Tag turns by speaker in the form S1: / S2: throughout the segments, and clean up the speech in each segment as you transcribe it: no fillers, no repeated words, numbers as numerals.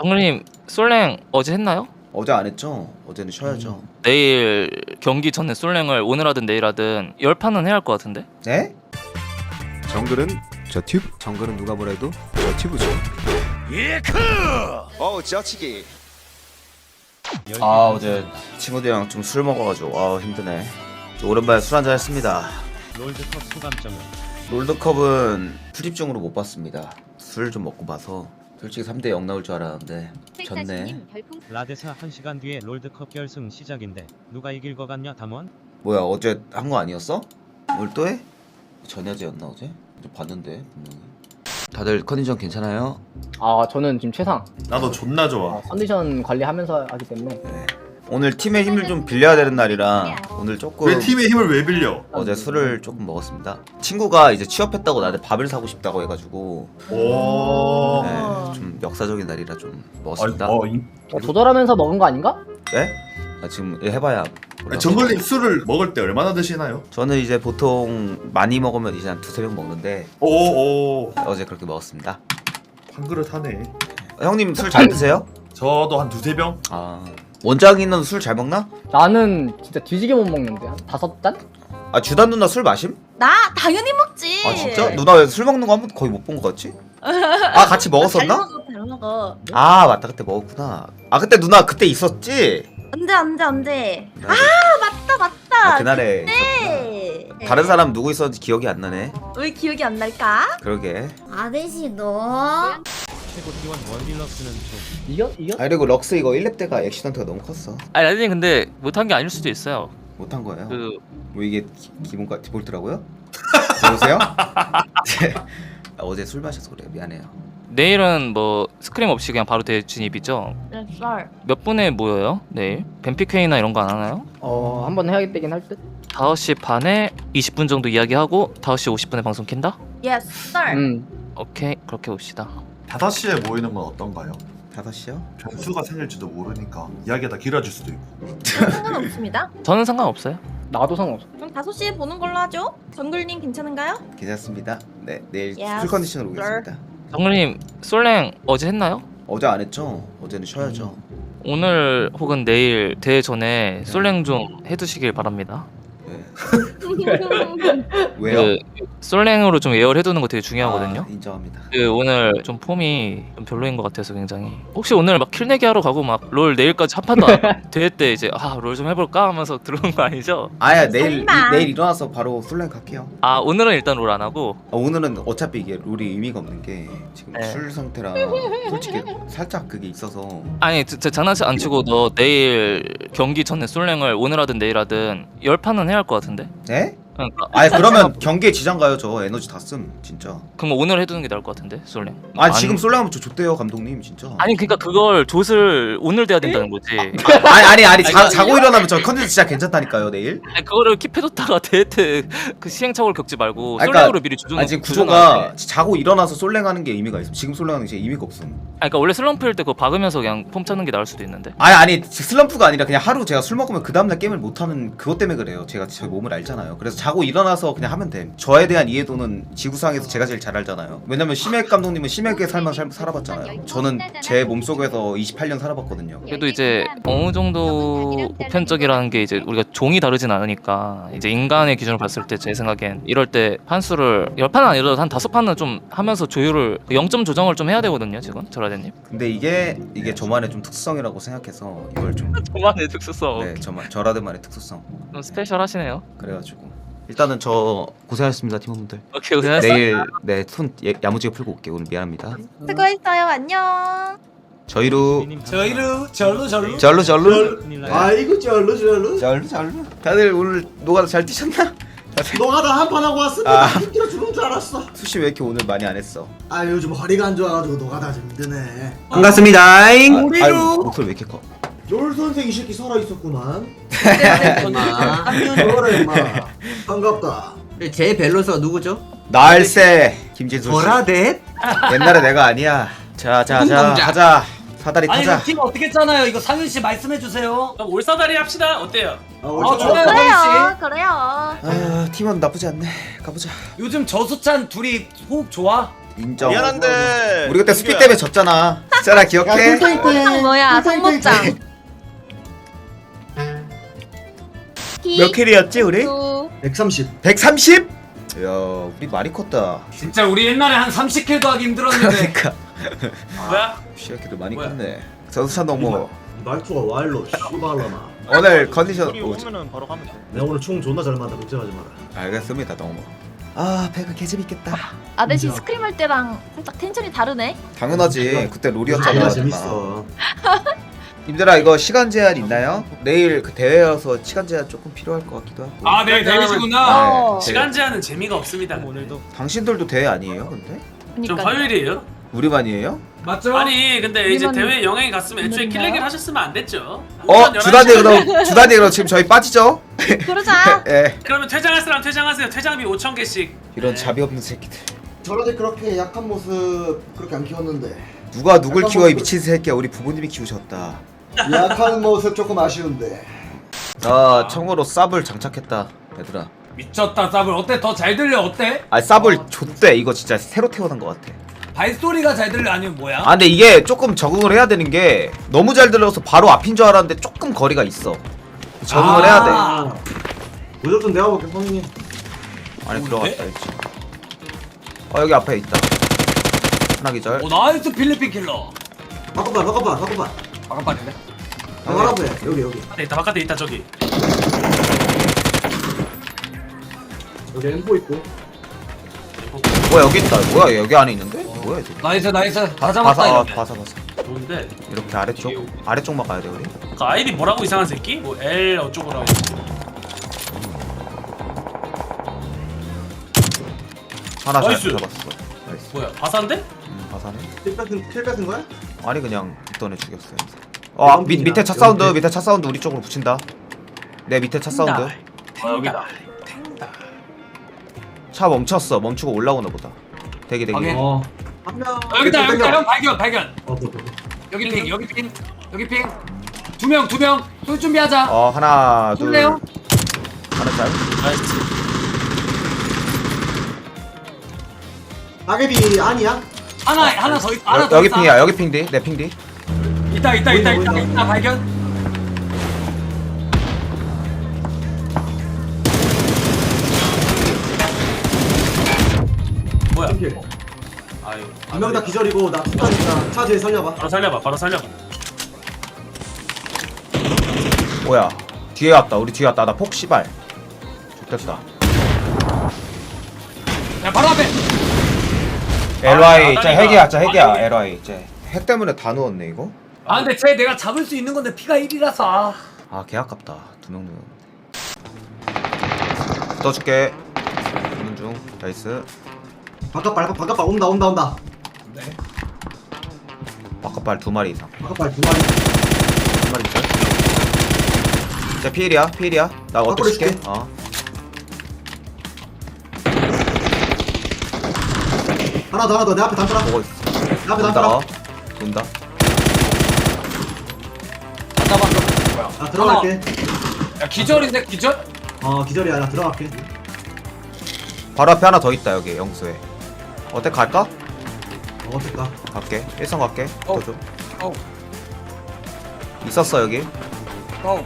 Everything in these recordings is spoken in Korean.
S1: 정글님 솔랭 어제 했나요?
S2: 어제 안 했죠? 어제는 쉬어야죠.
S1: 내일 경기 전에 솔랭을 오늘 하든 내일 하든 10판은 해야 할 것 같은데?
S2: 네? 정글은 저 튜브. 정글은 누가 뭐래도 저 튜브죠. 예크! 지하치기. 어제 친구들이랑 좀 술 먹어가지고 힘드네. 오랜만에 술 한잔 했습니다.
S3: 롤드컵 소감점은?
S2: 롤드컵은 출입증으로 못 봤습니다. 술 좀 먹고 봐서 솔직히 3대0 나올 줄 알았는데 졌네.
S3: 라데사 1시간 뒤에 롤드컵 결승 시작인데 누가 이길 것 같냐 담원?
S2: 뭐야 어제 한 거 아니었어? 오늘 또 해? 전야제였나 어제? 봤는데 분명히. 다들 컨디션 괜찮아요?
S4: 아 저는 지금 최상.
S5: 나도 존나 좋아.
S4: 컨디션 관리하면서 하기 때문에.
S2: 네. 오늘 팀의 힘을 좀 빌려야 되는 날이라 오늘 조금
S5: 왜 팀의 힘을 왜 빌려?
S2: 어제 술을 조금 먹었습니다. 친구가 이제 취업했다고 나한테 밥을 사고 싶다고 해가지고
S5: 오.
S2: 네, 좀 역사적인 날이라 좀 먹었습니다.
S4: 조절하면서 먹은 거 아닌가?
S2: 네? 지금 해봐야 몰라.
S5: 정글님 술을 먹을 때 얼마나 드시나요?
S2: 저는 이제 보통 많이 먹으면 이제 한 두세 병 먹는데
S5: 오.
S2: 어제 그렇게 먹었습니다.
S5: 한 그릇 하네.
S2: 형님 술 잘 드세요?
S5: 저도 한 두세 병?
S2: 아 원장이는 술 잘 먹나?
S4: 나는 진짜 뒤지게 못 먹는데 한 5잔?
S2: 아 주단 누나 술 마심?
S6: 나 당연히 먹지.
S2: 아 진짜? 누나 왜 술 먹는 거 한 번도 거의 못 본 거 같지? 아 같이
S6: 잘
S2: 먹었었나?
S6: 먹어, 잘 먹어.
S2: 아 맞다 그때 먹었구나. 아 그때 누나 그때 있었지?
S6: 언제?
S2: 아
S6: 맞다.
S2: 그날에 있었구나.
S6: 네.
S2: 다른 사람 누구 있었는지 기억이 안 나네.
S6: 왜 기억이 안 날까?
S2: 그러게.
S7: 아저씨 너
S3: 최고 T1 원딜럭스는 좀
S4: 이겨?
S2: 아 그리고 럭스 이거 1렙 때가 액시던트가 너무 컸어.
S1: 아니 라디님 근데 못한 게 아닐 수도 있어요.
S2: 못한 거예요.
S1: 그
S2: 뭐 이게 기본가 디폴트라고요? 여보세요? 어제 술 마셔서 그래 미안해요.
S1: 내일은 뭐 스크림 없이 그냥 바로 대진입이죠?
S6: 네, 썰.
S1: 몇 분에 모여요? 내일? 뱀픽회의나 이런 거 안 하나요?
S4: 한번 해야겠긴 할 듯?
S1: 5시 반에 20분 정도 이야기하고 5시 50분에 방송 킨다?
S6: 예스, 썰.
S1: 오케이 그렇게 봅시다.
S5: 5시에 모이는 건 어떤가요?
S2: 5시요?
S5: 변수가 생길지도 모르니까 이야기가 길어질 수도 있고.
S6: 상관없습니다.
S1: 저는 상관없어요.
S4: 나도 상관없어.
S6: 그럼 5시에 보는 걸로 하죠. 정글님 괜찮은가요?
S2: 괜찮습니다. 네 내일
S6: Yes,
S2: 풀 컨디션으로
S6: sir.
S2: 오겠습니다.
S1: 정글님 솔랭 어제 했나요?
S2: 어제 안 했죠? 어제는 쉬어야죠.
S1: 오늘 혹은 내일 대회 전에 솔랭 좀 해두시길 바랍니다.
S2: 네. 왜요?
S1: 그 솔랭으로 좀 예열해두는 거 되게 중요하거든요.
S2: 아, 인정합니다.
S1: 그 오늘 좀 폼이 좀 별로인 것 같아서 굉장히 혹시 오늘 막 킬내기 하러 가고 막 롤 내일까지 한 판도 안 대회 때 이제 롤 좀 해볼까 하면서 들어온 거 아니죠?
S2: 아야 내일
S6: 설마.
S2: 내일 일어나서 바로 솔랭 갈게요.
S1: 아 오늘은 일단 롤 안 하고
S2: 오늘은 어차피 이게 롤이 의미가 없는 게 지금
S1: 네.
S2: 술 상태라 솔직히 살짝 그게 있어서
S1: 아니 저 장난치 안 치고 너 내일 경기 전에 솔랭을 오늘 하든 내일 하든 10판은 해야 할 것 같은데?
S2: 네?
S1: 그러니까
S2: 아니 그러면 경기에 지장 가요. 저 에너지 다 쓴 진짜.
S1: 그럼 오늘 해두는 게 나을 것 같은데 솔랭.
S2: 아니 지금 솔랭 하면 저 좋대요 감독님 진짜.
S1: 아니 그러니까 그걸 좆을 오늘 돼야 된다는 거지.
S2: 아니 자고 일어나면 저 컨디션 진짜 괜찮다니까요 내일.
S1: 아니 그거를 킵해뒀다가 대회 때 그 시행착오를 겪지 말고
S2: 아니,
S1: 솔랭으로 미리 조준.
S2: 아니 지금 구조가 자고 일어나서 솔랭하는 게 의미가 있음. 지금 솔랭하는 게 의미가 없음.
S1: 그러니까 원래 슬럼프일 때 그거 박으면서 그냥 폼 찾는 게 나을 수도 있는데.
S2: 아니 슬럼프가 아니라 그냥 하루 제가 술 먹으면 그 다음날 게임을 못하는 그것 때문에 그래요. 제가 제 몸을 알잖아요. 그래서 자고 일어나서 그냥 하면 돼. 저에 대한 이해도는 지구상에서 제가 제일 잘 알잖아요. 왜냐면 심해 감독님은 심하게 살아봤잖아요. 저는 제 몸속에서 28년 살아봤거든요.
S1: 그래도 이제 어느 정도 보편적이라는 게 이제 우리가 종이 다르진 않으니까 이제 인간의 기준으로 봤을 때 제 생각엔 이럴 때 판수를 10판은 아니라도 한 5판은 좀 하면서 조율을 0점 조정을 좀 해야 되거든요 지금 저라데님.
S2: 근데 이게 저만의 좀 특수성이라고 생각해서 이걸 좀
S1: 저만의 특수성.
S2: 네, 저라드만의 특수성.
S1: 좀 스페셜 하시네요.
S2: 그래가지고 일단은 저 고생하셨습니다 팀원분들.
S1: 오케이 고생하셨어요.
S2: 내일 손 야무지게 풀고 올게요. 오늘 미안합니다.
S6: 수고했어요. 안녕.
S2: 저희로 절로
S3: 큰일 나요.
S8: 아이고 절로
S2: 절로 다들 오늘 노가다 잘 뛰셨나?
S8: 너가 다 한판 하고 왔으니까 힘들어 죽는 줄 알았어.
S2: 수시 왜 이렇게 오늘 많이 안 했어?
S8: 아 요즘 허리가 안 좋아가지고 너가 다 힘드네.
S2: 반갑습니다. 아유 목소리 왜 이렇게 커?
S8: 롤 선생 이 새끼 살아 있었구만.
S7: 임마
S8: 너라 임마. 반갑다.
S7: 제 밸런스가 누구죠?
S2: 날새 김진수 씨.
S7: 보라데?
S2: 옛날에 내가 아니야. 자
S7: 운동자.
S2: 하자. 사다리
S9: 아니
S2: 타자.
S9: 이거 팀 어떻게 짜나요? 이거 상윤 씨 말씀해 주세요.
S10: 그럼 올사다리 합시다. 어때요?
S9: 좋아요.
S6: 그래요.
S2: 아 팀원 나쁘지 않네. 가보자.
S9: 요즘 저수찬 둘이 호흡 좋아?
S2: 인정.
S5: 미안한데
S2: 우리 그때 스피 때문에 졌잖아. 잖아 기억해?
S6: 뭐야 성목장.
S2: 몇 킬이었지 우리?
S8: 130.
S2: 130? 야 우리 많이 컸다.
S9: 진짜 우리 옛날에 한 30킬도 하기 힘들었는데.
S2: 그러니까
S9: 뭐야?
S2: 시작해도 많이
S9: 뭐야?
S2: 컸네. 저수찬 동무
S8: 말투가 와일로 씨발라나.
S2: 오늘 컨디션
S8: 내가 오늘 총 존나 잘 맞아. 걱정하지 마라.
S2: 알겠습니다 동무. 아 배그 개재밌겠다.
S6: 아저씨 스크림 할 때랑 살짝 텐션이 다르네.
S2: 당연하지. 그때
S8: 아,
S2: 롤이었잖아.
S8: 재밌어.
S2: 님들아 이거 시간 제한 있나요? 내일 그 대회여서 시간 제한 조금 필요할 것 같기도 하고.
S9: 아, 내일 데뷔시구나.
S6: 어.
S2: 네,
S10: 시간 제한은 재미가 없습니다.
S3: 오늘도
S2: 당신들도 대회 아니에요 근데?
S10: 좀
S6: 그러니까.
S10: 화요일이에요?
S2: 우리만이에요?
S9: 맞죠?
S10: 아니 근데 이제
S6: 우리만
S10: 대회 영향이 갔으면 애초에
S6: 있는가요?
S10: 킬레기를 하셨으면 안 됐죠.
S2: 어?
S10: 오전 11시
S2: 주단이 그럼 주단이 그럼 지금 저희 빠지죠?
S6: 그러자.
S2: 예.
S10: 그러면 퇴장할 사람 퇴장하세요. 퇴장비 5,000개씩.
S2: 이런 자비 없는 새끼들.
S8: 저런데 그렇게 약한 모습 그렇게 안 키웠는데
S2: 누가 누굴
S8: 약간
S2: 키워 이
S8: 뭐-
S2: 미친 새끼야. 우리 부모님이 키우셨다.
S8: 약한 모습 조금 아쉬운데.
S2: 아 청으로 쌉을 장착했다 얘들아.
S9: 미쳤다 쌉을. 어때? 더 잘 들려? 어때?
S2: 아 쌉을 줬대. 이거 진짜 새로 태어난 것 같아.
S9: 발소리가 잘 들려? 아니면 뭐야?
S2: 아 근데 이게 조금 적응을 해야 되는 게 너무 잘 들려서 바로 앞인 줄 알았는데 조금 거리가 있어. 적응을 해야 돼.
S9: 아.
S8: 무조건 내가 볼게 선생님.
S2: 안에
S9: 뭔데?
S2: 들어갔다 있지. 여기 앞에 있다. 하나 기절.
S9: 오, 나이스 필리핀 킬러.
S8: 바꿔봐.
S9: 아까빠는데?
S8: 바꿔라고 해. 여기.
S10: 바깥에 있다 저기.
S8: 여기 엠보 있고.
S2: 뭐야 여기 있다. 뭐야 여기 안에 있는데? 뭐야 이거?
S9: 나이스. 다 잡았다
S2: 바사
S9: 이러면.
S2: 바사.
S10: 좋은데.
S2: 이렇게 아래쪽만 가야 돼 우리.
S10: 그 아이디 뭐라고 이상한 새끼? 뭐 L 어쩌고라고.
S2: 하나 잘
S10: 나이스.
S2: 잡았어. 나이스.
S10: 뭐야 바사인데?
S2: 바사네.
S8: 킬 뺏은 거야?
S2: 아니 그냥 있던 애 죽였어요. 밑에 차 사운드. 밑에 차 사운드 우리 쪽으로 붙인다. 내 밑에 차 사운드.
S10: 여기다.
S2: 차 멈췄어. 멈추고 올라오나 보다. 대기.
S9: 확인.
S8: 한 명.
S9: 여기다 형 발견.
S8: 뭐.
S9: 여기 핑. 두 명. 쏠 준비하자.
S2: 하나 둘.
S9: 쏠래요?
S2: 하나 잘.
S10: 나이스.
S8: 낙엽이 아니야?
S9: 하나 더 있어. 하나 더
S2: 여기
S9: 있어.
S2: 핑이야. 여기 핑 뒤. 내 핑 뒤.
S9: 있다
S8: 보인다.
S9: 발견.
S10: 뭐야?
S8: 킬.
S10: 아유.
S8: 두 명 다 기절이고 나 투타니까 차 뒤에 살려봐.
S10: 바로 살려봐.
S2: 뭐야? 뒤에 왔다. 우리 뒤에 왔다. 나 폭 씨발. 좋겠다.
S9: 야 바로 앞에.
S2: LY
S10: 아,
S2: 쟤 핵이야. 쟤 핵이야. LY 쟤. 핵 때문에 다 누웠네 이거.
S9: 아 근데 쟤 내가 잡을 수 있는 건데 피가 1이라서.
S2: 개 아깝다. 두 명 누웠는데. 떠줄게. 보는 중. 나이스.
S8: 바깥발 온다.
S9: 네.
S2: 바깥발 2마리 이상.
S8: 바깥발 두 마리.
S2: 2마리 있어. 쟤 필이야. 나 어떻게
S8: 바꿔
S2: 줄게?
S8: 줄게. 하나 더. 내 앞에 담벼라.
S2: 보고 있어.
S8: 내 앞에
S2: 돈다.
S8: 담벼라.
S2: 돈다.
S9: 안 잡았어.
S8: 나 들어갈게.
S9: 야 기절인데 기절?
S8: 기절이야. 나 들어갈게.
S2: 바로 앞에 하나 더 있다 여기 영수에. 어때 갈까?
S8: 됐다.
S2: 갈게. 1선 갈게.
S9: 어.
S2: 더 줘.
S9: 어.
S2: 있었어 여기.
S9: 고.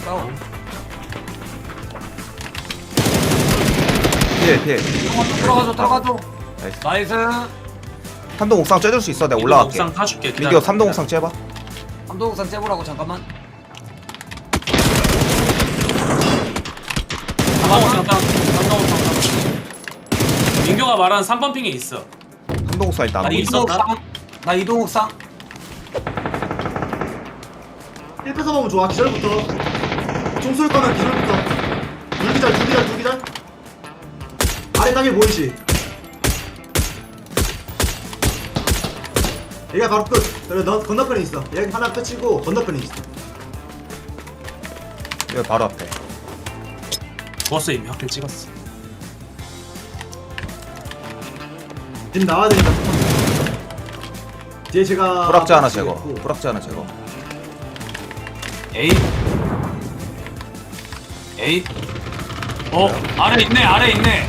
S2: 필.
S9: 들어가줘.
S2: 나이스.
S9: 나이스.
S2: 3동 옥상 쬐줄 수 있어. 내가 올라갈게.
S10: 옥상 타줄게.
S2: 민규 3동 옥상 쬐봐.
S9: 삼도국산 째보라고 잠깐만.
S10: 민규가 말한 3번 핑에 있어.
S2: 3동 옥상 일단 안
S10: 아니,
S2: 보이네.
S10: 있었나?
S9: 이동옥상.
S8: 1 뺏어 먹으면 좋아. 기절부터. 총 쏠 거면 기절부터. 둘 기절. 아래 땅에 보이지? 얘가 바로 끝. 그래, 너 건너편에 있어. 얘 하나 끝이고 건너편에 있어.
S2: 여기 바로 앞에.
S10: 죽었어 이미 확킬 찍었어.
S8: 지금 나와야 되니까. 뒤에 제가
S2: 불락자 하나
S8: 박치겠고.
S2: 제거. 불락자 하나 제거.
S9: 에이. 아래 있네.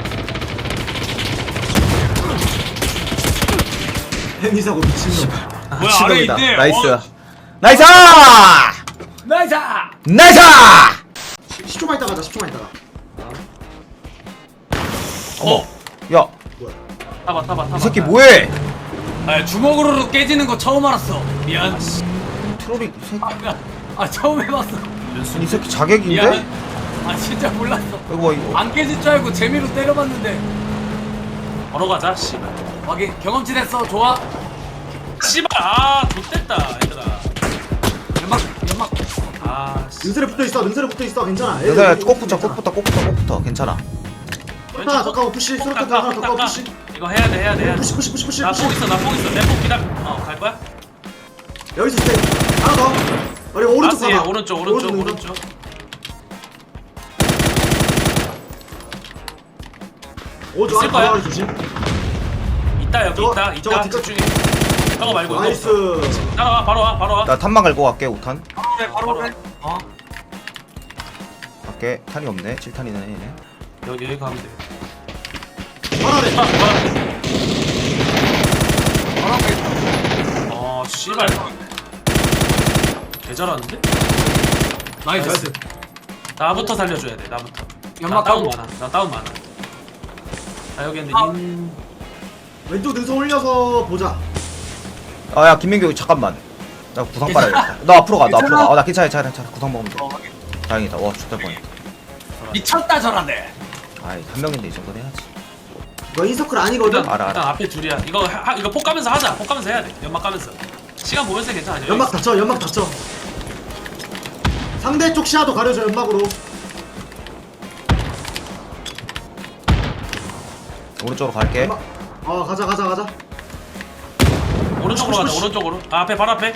S8: 햄이사고 미친놈.
S9: 뭐야,
S2: 미친놈이다.
S9: 아래 있네.
S2: 나이스.
S9: 어.
S2: 나이스!
S9: 나이스.
S2: 나이스!
S8: 10초만 있다 가자 10초만 있다가
S2: 야,
S10: 타봐.
S2: 이 새끼 뭐해?
S9: 아, 주먹으로 깨지는 거 처음 알았어. 미안.
S2: 트롤이 이 새끼.
S9: 처음 해봤어.
S2: 이 새끼 자객인데?
S9: 미안. 진짜 몰랐어.
S2: 이거.
S9: 안 깨질 줄 알고 재미로 때려봤는데.
S10: 걸어가자 씨발.
S9: 확인. 경험치 됐어. 좋아.
S10: 씨발 X됐다 얘들아.
S9: 연막.
S10: 씨.
S8: 능선에 붙어있어 괜찮아
S2: 여자 꼭 붙어. 괜찮아.
S8: 하나 더 까고 푸시 수류탄 하나 더 까고 푸시
S10: 이거 해야 돼.
S8: 푸시
S10: 나폭 있어. 내폭 기다려. 갈 거야?
S8: 여기서 스테이 하나 더 우리 오른쪽
S10: 알았어, 얘
S8: 가봐
S10: 오른쪽.
S8: 능선. 오른쪽
S10: 있을
S8: 하나
S10: 거야?
S8: 가봐 조심
S10: 있다 여기
S8: 저거,
S10: 있다.
S8: 저거 뒷각-
S10: 집중해. 저거 말고 이거.
S8: 나이스
S10: 따라와 바로 와.
S2: 나 탄만 갈고 갈게. 5탄.
S9: 바로 그래.
S2: 갈게. 탄이 없네. 7탄이네. 얘네.
S10: 여기 가면 돼.
S8: 하나래
S10: 씨발. 개 잘하는데?
S9: 나이스.
S10: 나부터 살려줘야 돼. 나부터.
S9: 연막
S10: 나 다운
S9: 까고.
S10: 많아. 나 다운 많아. 여기 근데
S8: 왼쪽 능선 올려서 보자
S2: 야, 김민규 잠깐만. 나 구상 빨아야겠다. 너 앞으로 가. 나 괜찮아. 구상 먹으면 돼. 다행이다. 와, 죽을 뻔했다.
S9: 미쳤다 저란데.
S2: 아이, 한 명인데 이 정도는 해야지.
S8: 너 인서클 아니거든?
S2: 알아.
S10: 일단 앞에 둘이야. 이거 폭 가면서 하자. 폭 가면서 해야 돼. 연막 가면서. 시간 보면서 괜찮아.
S8: 연막 닫혀 상대 쪽 시야도 가려줘 연막으로
S2: 오른쪽으로 갈게.
S8: 연막 가자
S10: 오른쪽으로 가자.
S8: 푸시.
S10: 오른쪽으로. 앞에 바로 앞에.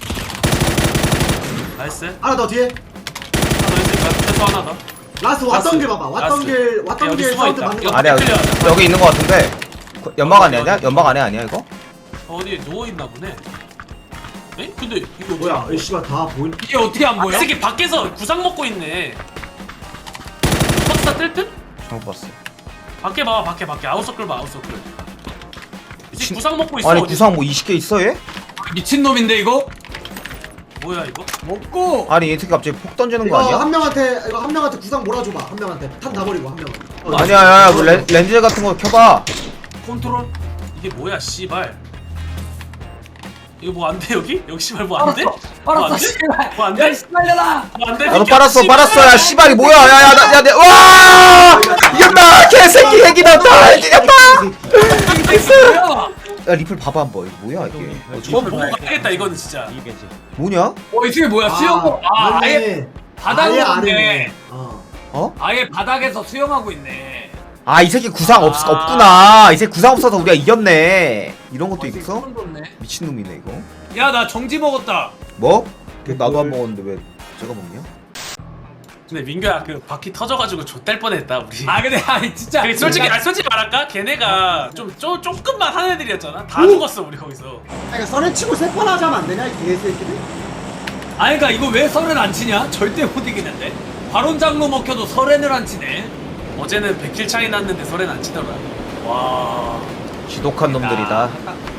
S10: 나이스.
S8: 하나 더 뒤에
S10: 하나 더 있을 거야. 최소 하나 더.
S8: 라스 왔던
S10: 라스.
S8: 길 봐봐 왔던
S10: 라스.
S8: 길
S10: 여기 숨어
S8: 사운드
S10: 있다.
S8: 맞는
S10: 이거
S8: 거
S2: 아니야.
S10: 끌려가자.
S2: 여기 있는 거 같은데. 연막 안에 아니야? 연막 안에 아니야 이거?
S10: 어디 누워 있나 보네. 에? 근데 이거
S8: 뭐야 이 씨발 다 보인
S9: 이게 어떻게 안
S10: 이
S9: 보여?
S10: 새끼 밖에서 구상 먹고 있네. 박스다 뜰 듯?
S2: 잘못 봤어.
S10: 밖에 봐. 밖에 아웃서클 봐. 아웃서클. 이 새끼
S2: 진-
S10: 구상 먹고 있어.
S2: 아니
S10: 어디.
S2: 구상 뭐 20개 있어 얘?
S9: 미친 놈인데 이거?
S10: 뭐야 이거?
S9: 먹고.
S2: 아니 얘 새끼 갑자기 폭 던지는 거
S8: 이거
S2: 아니야?
S8: 한 명한테 구상 몰아줘봐 한 명한테 탄 다 버리고 한 명은
S2: 아니야, 야, 뭐 렌즈 같은 거 켜봐.
S10: 컨트롤? 이게 뭐야 씨발. 이거 뭐 안 돼 여기? 여기 씨발 뭐 안 돼?
S9: 알았어. 씨발.
S10: 뭐 안 돼?
S9: 야 씨발려라.
S10: 뭐 안 돼?
S2: 나도 빨았어. 야 씨발이 뭐야? 와! 이겼다. 개새끼 핵이다. 다 이겼다.
S9: 뭐야?
S2: 야 리플 봐봐 한번. 이거 뭐야 이게?
S10: 뭐 보고 가야겠다 이거는 진짜.
S3: 이게지.
S2: 뭐냐?
S9: 이 새끼 뭐야? 수영. 아예 바닥으로 있네. 아예 바닥에서 수영하고 있네.
S2: 아 이 새끼 구상
S10: 아.
S2: 없구나. 이 새끼 구상 없어서 우리가 이겼네. 이런 것도 있어?
S9: 소름 돋네.
S2: 미친놈이네 이거.
S9: 야, 나 정지 먹었다.
S2: 뭐? 나도 안 먹었는데 왜 제가 먹냐?
S10: 근데 민규야 그 바퀴 터져가지고 좆될 뻔했다 우리.
S9: 근데 진짜.
S10: 그래, 솔직히 말할까? 걔네가 조금만 한 애들이었잖아. 다 죽었어 우리 거기서.
S8: 그러니까 선에 치고 세판 하자면 안 되냐 이 개새끼들
S9: 그러니까 이거 왜 설을 안 치냐? 절대 못 이기는데. 발언장로 먹혀도 설엔을 안 치네.
S10: 어제는 100킬 차이 났는데 설엔 안 치더라. 와.
S2: 지독한 놈들이다.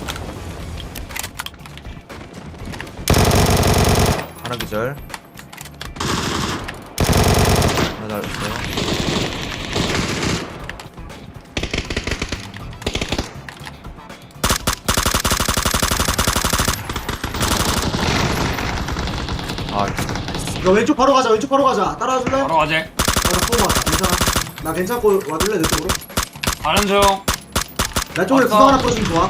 S2: 하나 기절. 하나 날렸어요. 아,
S8: 이거 왼쪽 바로 가자 따라와줄래?
S9: 바로 가재.
S8: 나 쏘고 왔다 괜찮아 나 괜찮고 와줄래 내 쪽으로?
S9: 가는 중.
S8: 내 쪽에
S9: 왔어.
S8: 구상 하나 뿌려주면 좋아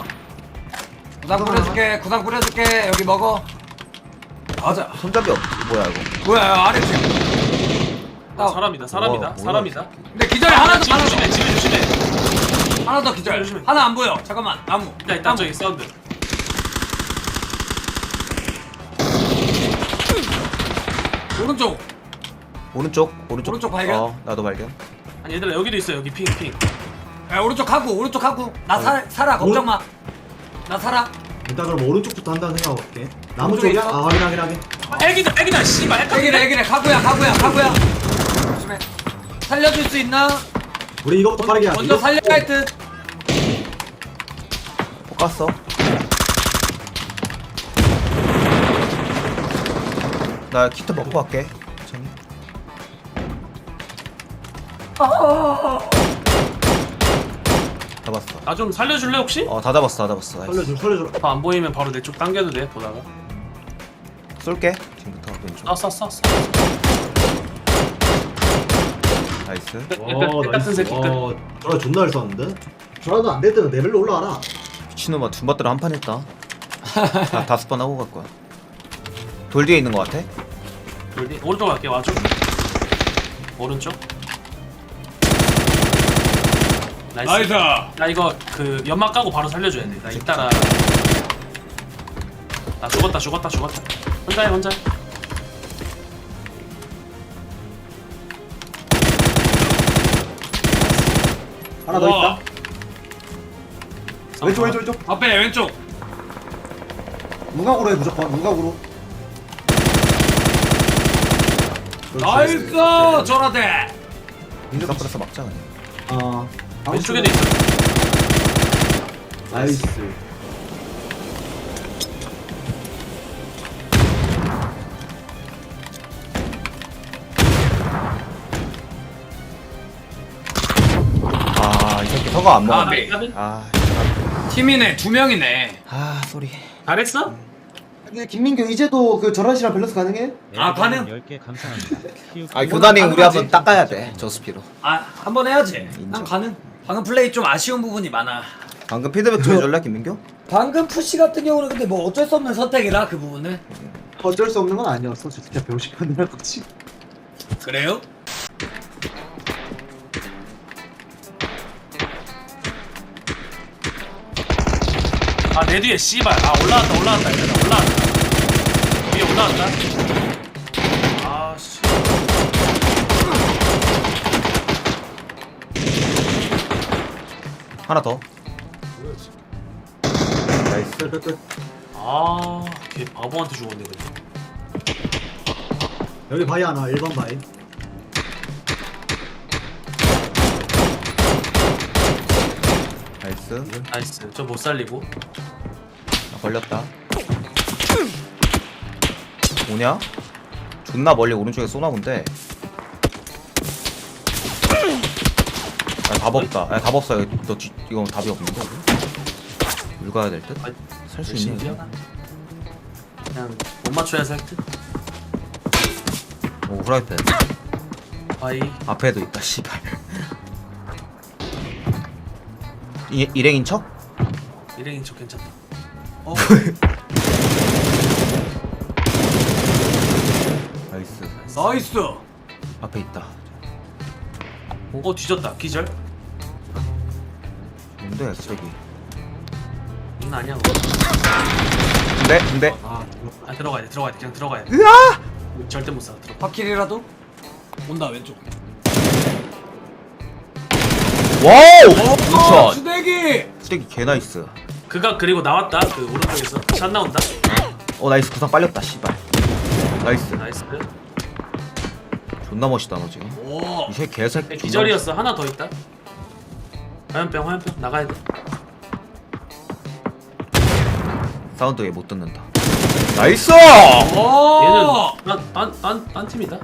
S9: 구상 뿌려줄게. 여기 먹어. 가자.
S2: 손잡이 뭐야 이거?
S9: 뭐야, 아래 집.
S10: 사람이다.
S2: 뭐야,
S10: 사람이다.
S9: 근데 기절이 하나 더,
S10: 지금
S9: 하나 더.
S10: 조심해. 지금 조심해.
S9: 하나 더 기절.
S10: 조심해.
S9: 하나 안 보여. 잠깐만. 나무.
S10: 있다 저기 사운드.
S9: 오른쪽.
S2: 오른쪽
S9: 발견?
S2: 나도 발견.
S10: 아니 얘들아 여기도 있어. 여기 핑.
S9: 야, 오른쪽 하고. 나 살아. 걱정 마. 나 살아.
S8: 일단 그럼 오른쪽부터 한다는 생각하고 갈게 나무
S9: 오른쪽에
S8: 쪽이야?
S9: 있어?
S8: 확인하게
S10: 애기다. 씨발.
S9: 애기래. 가구야. 조심해. 살려줄 수 있나?
S8: 우리 이거부터 빠르게 하자
S9: 먼저 살려야 할 듯.
S2: 볶았어. 나 키트 먹고 갈게. 천천히. 잡았어.
S10: 나 좀 살려줄래 혹시?
S2: 다 잡았어. 나이스.
S8: 살려줘.
S10: 더 안 보이면 바로 내 쪽 당겨도 돼 보다가.
S2: 쏠게. 지금부터 왼쪽.
S10: 쏴.
S2: 나이스.
S10: 같은 새끼 끝.
S8: 저라 존나 잘 쐈는데? 저라도 안 될 때는 레벨로 올라와라.
S2: 미친놈아 둠바트를 한 판 했다. 다 5번 하고 갈 거야. 돌 뒤에 있는 거 같아?
S10: 돌디 오른쪽 갈게 와줘. 오른쪽. 나이스. 나 이거 그 연막 까고 바로 살려줘야 돼. 나 이따라. 나 죽었다. 혼자 해.
S8: 하나 더 있다. 왼쪽.
S10: 앞에 왼쪽.
S8: 무각으로 해 무조건. 무각으로.
S10: 나이스 저라대.
S2: 민주가 플러스 막자 그냥.
S10: 왼쪽에도 있어.
S8: 나이스.
S2: 이 새끼 서가 안
S10: 아,
S2: 먹었네.
S10: 나비.
S9: 팀이네 2명이네.
S2: 쏘리.
S10: 잘했어?
S8: 근데 김민규 이제도 그 저런 씨랑 밸런스 가능해?
S9: 아, 가능?
S3: 10개 감사합니다.
S2: 교단이 우리
S9: 가능하지.
S2: 한번 닦아야 돼. 저스피로.
S9: 아 한번 해야지.
S2: 인정.
S9: 난 가능. 방금 플레이 좀 아쉬운 부분이 많아.
S2: 방금 피드백 좀 해줄래 김민규?
S9: 방금 푸시 같은 경우는 근데 뭐 어쩔 수 없는 선택이라 그 부분은.
S8: 어쩔 수 없는 건 아니었어. 진짜 배우고 싶었는 거지.
S9: 그래요?
S10: 아 내 뒤에 씨발. 아 올라왔다 얘들아. 올라왔다. 위에 올라왔다. 아 씨.
S2: 하나 더. 나이스.
S10: 걔 바보한테 죽었네 근데.
S8: 여기 바위 하나. 1번 바위.
S2: 나이스.
S10: 나이스. 저 못 살리고.
S2: 나 걸렸다. 뭐냐? 존나 멀리 오른쪽에 쏘나 본데. 답 없다. 답 없어. 이거 답이 없는데. 물 가야 될 듯? 살 수 있니?
S10: 열심히 뛰어나. 그냥 못 맞춰야 살 듯.
S2: 오 후라이팬.
S10: 바이.
S2: 앞에도 있다. 씨발. 일행인 척?
S10: 일행인 척 괜찮다.
S2: 나이스.
S9: 나이스.
S2: 앞에 있다.
S10: 뒤졌다. 기절.
S2: 뭔데 쓰레기.
S10: 장난 아니야.
S2: 근데
S10: 아 들어가야 돼. 그냥 들어가야 돼. 절대 못 살아. 들어가.
S9: 바퀴리라도 온다 왼쪽.
S2: 와우! 우천!
S9: 수대기.
S2: 쓰레기 개 나이스.
S10: 그가 그리고 나왔다. 그 오른쪽에서 샷 나온다.
S2: 나이스. 구상 빨렸다. 씨발. 나이스.
S10: 나이스.
S2: 존나 멋있다 너 지금.
S9: 오.
S2: 이 새끼 개새끼. 존나
S10: 기절이었어. 하나 더 있다. 화염병 나가야 돼.
S2: 멋있- 사운드 얘 못 듣는다. 나이스!
S9: 오.
S10: 얘는 딴 팀이다.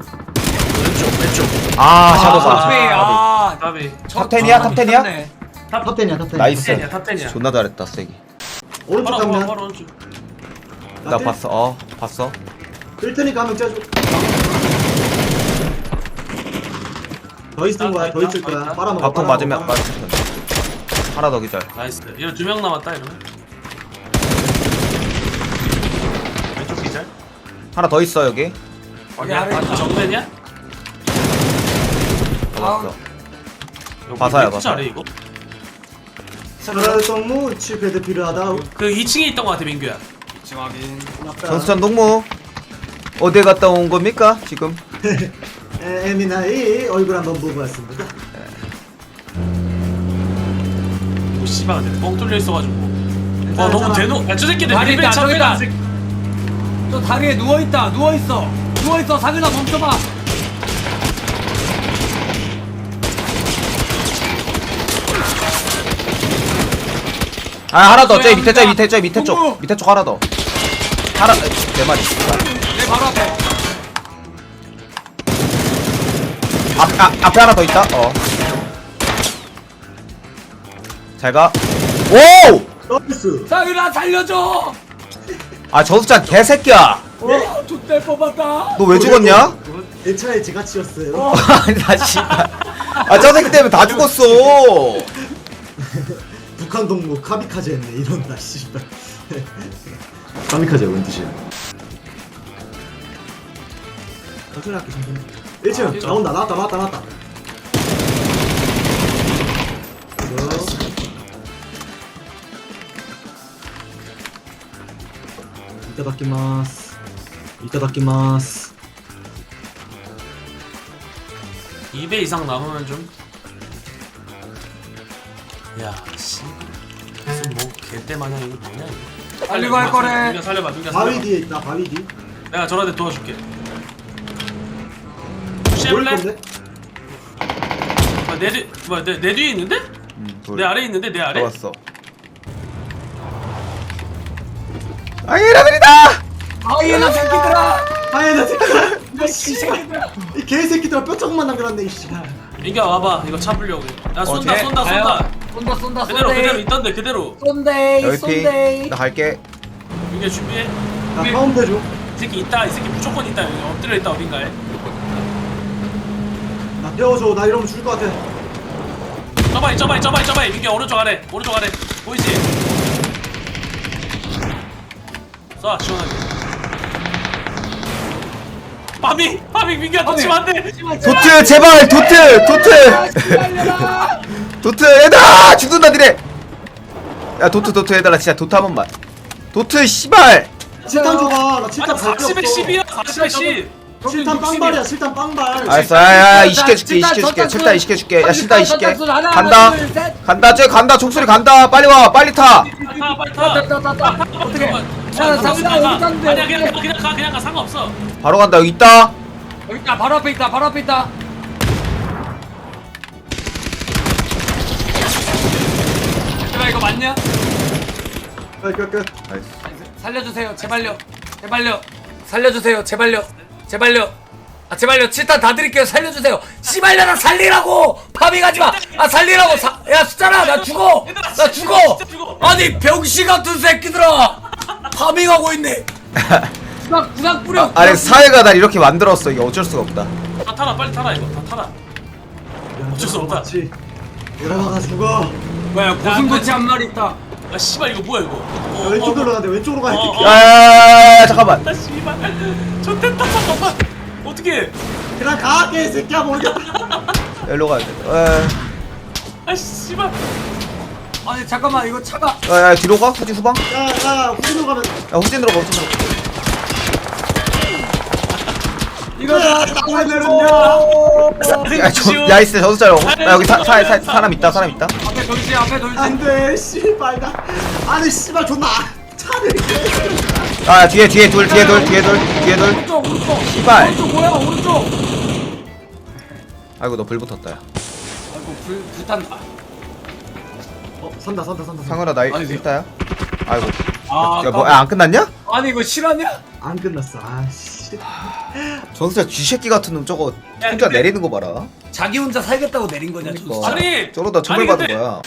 S10: 왼쪽.
S2: 샤도가.
S9: 아.
S10: 까비.
S2: 탑10이야? 탑10이야?
S8: 탑10이야 탑10.
S2: 나이스.
S10: 탑10이야.
S2: 존나 잘했다 쓰레기.
S8: 오른쪽
S10: 바로
S8: 가면.
S10: 오른쪽.
S2: 나 봤어. 봤어.
S8: 뜰 테니까 한명 째줘. 더 있을 거야. 더 있을 거야. 빨아먹어.
S2: 밥통 맞으면 맞을 텐데. 하나 더 기절.
S10: 나이스. 이런 2명 남았다 이러면. 왼쪽 기절.
S2: 하나 더 있어 여기.
S9: 여기 아래 있다.
S10: 정면이야?
S2: 잡았어.
S10: 여기
S2: 봐서요,
S10: 왜
S2: 봐서요.
S10: 잘해 이거?
S8: 사라성무 칠패드 필요하다.
S10: 그 2층에 있던 거 같아 민규야.
S9: 확인.
S2: 전수찬 동무 어디 갔다 온 겁니까 지금?
S8: 에미나이 얼굴 한번 보고 왔습니다.
S10: 오 씨발 근데 뻥 뚫려 있어가지고. 와 너무 대놓. 야저 새끼들
S9: 다리
S10: 밀배
S9: 있다, 저기
S10: 참배다.
S9: 있다. 저 다리에 누워있다. 누워있어. 상윤아 멈춰봐.
S2: 하나 더. 저 밑에
S9: 동무.
S2: 쪽 하나 더. 하나 네 마리.
S9: 바로 앞에.
S2: 앞에 하나 더 있다. 잘가. 오!
S8: 나이스.
S9: 상윤아 살려줘.
S2: 아 저수찬 개새끼야.
S9: 족대 뽑았다.
S2: 너 왜 죽었냐?
S8: 내 차에 제가 치였어요.
S2: 아니 나 씨발. 아저 새끼 때문에 다 죽었어.
S8: 북한 동무 카미카제 했네 이런다 씨발. 카미카제가 뭔 뜻이야? 천천히 할게 천천히. 1층 나온다 나왔다. 이따다키마스.
S10: 2배 이상 남으면 좀. 야, 씨. 무슨 뭐 개떼 마냥 이거 뭐냐 이거.
S9: 달리고 할 거래.
S10: 누가 살려봐.
S8: 바위 뒤에 있다 바위 뒤.
S10: 내가 저한테 도와줄게.
S8: 뭘
S10: 푸시해볼래?
S8: 건데?
S10: 내 뒤에 있는데? 내 아래에 있는데 내 아래?
S2: 잡았어. 아이라들이다.
S9: 아이나 새끼들아.
S8: 아예나 새끼야. 이 개새끼들아 뼈조금만 남겨놨네 이 씨발.
S10: 민규야 와봐. 이거 잡으려고. 야 쏜다.
S9: 쏜다.
S10: 그대로 있던데 그대로.
S2: 여기 피. 나 갈게.
S10: 민규야 준비해.
S8: 나 파운드 해줘.
S10: 이 새끼 있다. 이 새끼 무조건 있다. 여기 엎드려 있다 어딘가에.
S8: 나 떼어줘. 나 이러면 죽을 것 같아.
S10: 저바이. 민규야 오른쪽 아래. 보이지? 쏴 시원하게. 파밍 민규야 놓치면 안 돼.
S2: 도트 제발 도트. 도트 얘들아 죽는다 니네. 야 도트 얘들아 진짜 도트 한 번만. 도트 씨발.
S8: 7탄 줘봐. 나 7탄
S10: 아니
S8: 갈게
S10: 40에 10이야. 40에 10.
S8: 7탄 빵발이야 7탄 빵발.
S2: 알았어. 야야 이식해줄게. 칠타 이식해줄게. 야 실타 이식해. 간다 쟤 간다. 총소리 간다. 빨리 와 빨리 타.
S10: 빨리 타.
S9: 어떻게?
S10: 야 아니야 그냥 가 상관없어.
S2: 바로 간다. 여기 있다.
S9: 여기 있다. 바로 앞에 있다. 얘들아 이거 맞냐?
S8: 끝.
S9: 살려주세요. 제발요. 살려주세요. 제발요. 아 제발요. 7탄 다 드릴게요. 살려주세요. 씨발려라 살리라고. 파밍하지 마. 아 살리라고. 야 숫자라 나 죽어. 아니 병신 같은 새끼들아. 파밍하고 있네. 구상 뿌려.
S2: 아니 사회가 날 이렇게 만들었어. 이게 어쩔 수가 없다.
S10: 다 타라 빨리 타라 이거 다 타라. 어쩔 수 없다.
S8: 일어나가 죽어.
S9: 뭐야 고슴도치 한 마리 있다.
S10: 아 씨발 이거 뭐야 이거.
S8: 왼쪽으로 가야 돼. 왼쪽으로 가야 돼.
S2: 야야야야 잠깐만.
S10: 아 씨발 좋댔다 잠깐만. 어떻게?
S8: 그냥 가 개새끼야 모르겠다.
S2: 일로 가야 돼.
S10: 아 씨발.
S9: 아니 잠깐만 이거 차가.
S2: 야 뒤로 가. 후진 후방.
S8: 야 후진으로 가면.
S2: 야 후진 들어가.
S9: 이거다.
S8: 왜 내렸냐?
S2: 야 있어 저수 자요. 야 여기 사람 있다.
S9: 앞에 돌지.
S8: 안돼 씨발 나. 아니 씨발 존나 차를.
S2: 아 뒤에 둘.
S9: 오른쪽.
S2: 씨발.
S9: 오른쪽 뭐야 오른쪽.
S2: 아이고 너 불 붙었다. 야.
S9: 아이고 불탄다.
S8: 산다.
S2: 상현아 나
S9: 아니,
S2: 있다야. 아이고.
S9: 아
S2: 야 뭐 안 끝났냐?
S9: 아니 이거 실화냐?
S8: 안 끝났어. 아씨.
S2: 전수자 쥐새끼 같은 놈 저거
S10: 야,
S2: 혼자
S10: 근데-
S2: 내리는 거 봐라.
S9: 자기 혼자 살겠다고 내린 거냐
S2: 그러니까.
S9: 진짜.
S10: 아니
S2: 저러다 처벌
S10: 아니,
S2: 받은
S10: 근데-
S2: 거야.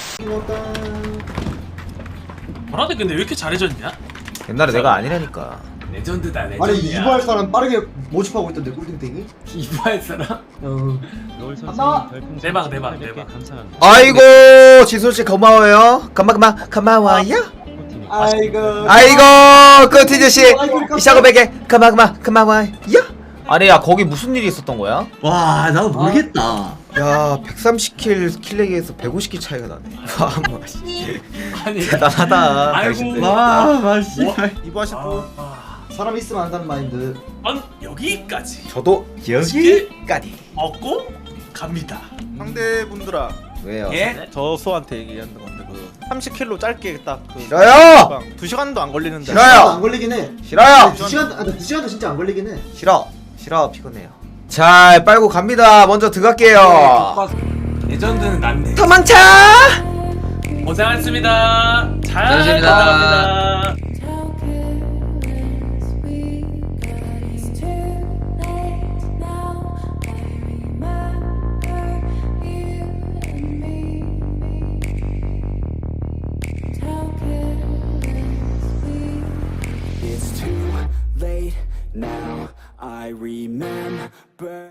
S10: 버라데 근데 왜 이렇게 잘해졌냐?
S2: 옛날에 내가 아니라니까.
S9: 레전드다 레전드야.
S8: 아니 이부할 사람 빠르게 모집하고 있던데 꿀딩땡이?
S9: 이부할 사람?
S8: 어.
S3: 롤 선생님
S4: 나-
S3: 별풍선
S10: 대박.
S3: 1800개 감사합니다.
S2: 아이고 지솔씨 고마워요. 고마워요.
S3: 코팅이
S2: 아이고 끄티즈씨 이샤고백에 고마워요. 아니 야 거기 무슨 일이 있었던 거야?
S7: 와 나도 모르겠다.
S2: 야 130킬 킬레기에서 150킬 차이가 나네. 와 뭐, 씨.
S9: 아니
S2: 대단하다.
S9: 아이고.
S2: 당신들.
S7: 와 맛있어.
S8: 이부하실 분. 사람 있으면 안다는 마인드.
S10: 여기까지
S2: 저도 여기까지.
S10: 먹고 갑니다.
S11: 상대분들아
S2: 왜요?
S9: 예?
S11: 저수한테 얘기하는 건데 그 30킬로 짧게 딱그
S2: 싫어요!
S11: 2시간도 안 걸리는데
S2: 싫어요!
S8: 안 걸리긴 해.
S2: 싫어요.
S8: 2시간도 진짜 안 걸리긴 해.
S2: 싫어 피곤해요. 잘 빨고 갑니다. 먼저 들어갈게요.
S9: 레전드는 낫네.
S2: 도망쳐.
S10: 고생하셨습니다. 잘
S1: 고생하셨습니다.
S10: 갑니다.
S12: it's too late now. I remember